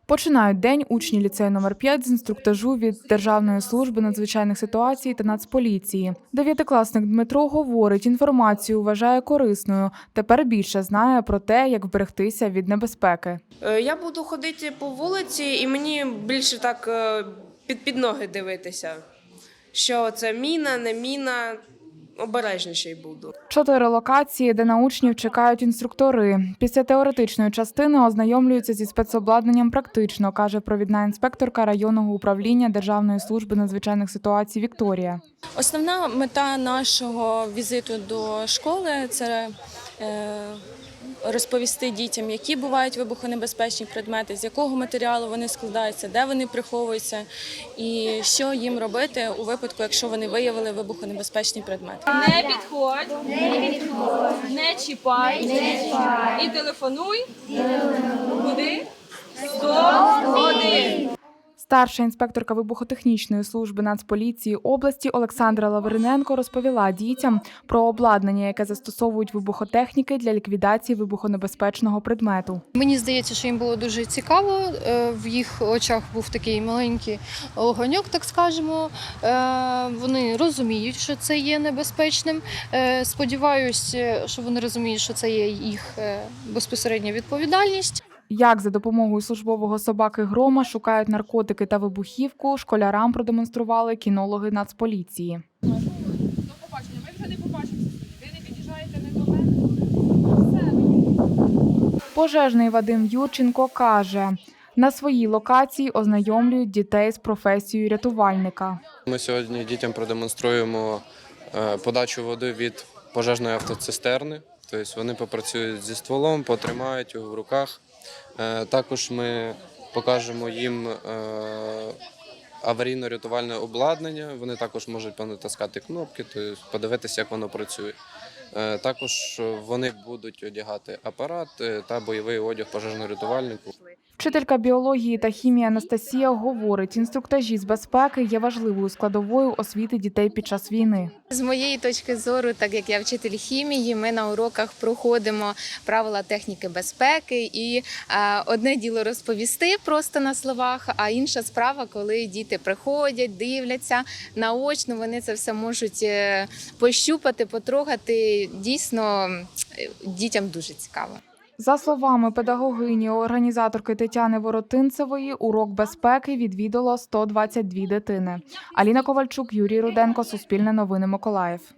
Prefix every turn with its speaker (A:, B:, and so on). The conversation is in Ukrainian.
A: Починають день учні ліцею номер 5 з інструктажу від Державної служби надзвичайних ситуацій та Нацполіції. Дев'ятикласник Дмитро говорить, інформацію вважає корисною. Тепер більше знає про те, як вберегтися від небезпеки.
B: Я буду ходити по вулиці і мені більше так під ноги дивитися, що це міна, не міна. Обережніший буду.
A: 4 локації, де на учнів чекають інструктори. Після теоретичної частини ознайомлюються зі спецобладнанням практично, каже провідна інспекторка районного управління Державної служби надзвичайних ситуацій Вікторія.
C: Основна мета нашого візиту до школи – це розповісти дітям, які бувають вибухонебезпечні предмети, з якого матеріалу вони складаються, де вони приховуються і що їм робити у випадку, якщо вони виявили вибухонебезпечні предмети.
D: Не підходь, не чіпай і телефонуй. Куди? 101.
A: Старша інспекторка вибухотехнічної служби Нацполіції області Олександра Лавриненко розповіла дітям про обладнання, яке застосовують вибухотехніки для ліквідації вибухонебезпечного предмету.
E: Мені здається, що їм було дуже цікаво. В їх очах був такий маленький огоньок, так скажемо. Вони розуміють, що це є небезпечним. Сподіваюся, що вони розуміють, що це є їх безпосередня відповідальність.
A: Як за допомогою службового собаки Грома шукають наркотики та вибухівку, школярам продемонстрували кінологи Нацполіції.
D: До побачення. Ми вже не побачимося. Ви не під'їжджаєте не до мене.
A: Пожежний Вадим Юрченко каже, на своїй локації ознайомлюють дітей з професією рятувальника.
F: Ми сьогодні дітям продемонструємо подачу води від пожежної автоцистерни. Тобто вони попрацюють зі стволом, потримають його в руках. Також ми покажемо їм аварійно-рятувальне обладнання. Вони також можуть понатискати кнопки, тобто подивитися, як воно працює. Також вони будуть одягати апарат та бойовий одяг пожежно-рятувальнику.
A: Вчителька біології та хімії Анастасія говорить, інструктажі з безпеки є важливою складовою освіти дітей під час війни.
G: З моєї точки зору, так як я вчитель хімії, ми на уроках проходимо правила техніки безпеки. І одне діло розповісти просто на словах, а інша справа, коли діти приходять, дивляться наочно, вони це все можуть пощупати, потрогати. Дійсно, дітям дуже цікаво.
A: За словами педагогині, організаторки Тетяни Воротинцевої, урок безпеки відвідало 122 дитини. Аліна Ковальчук, Юрій Руденко, Суспільне новини, Миколаїв.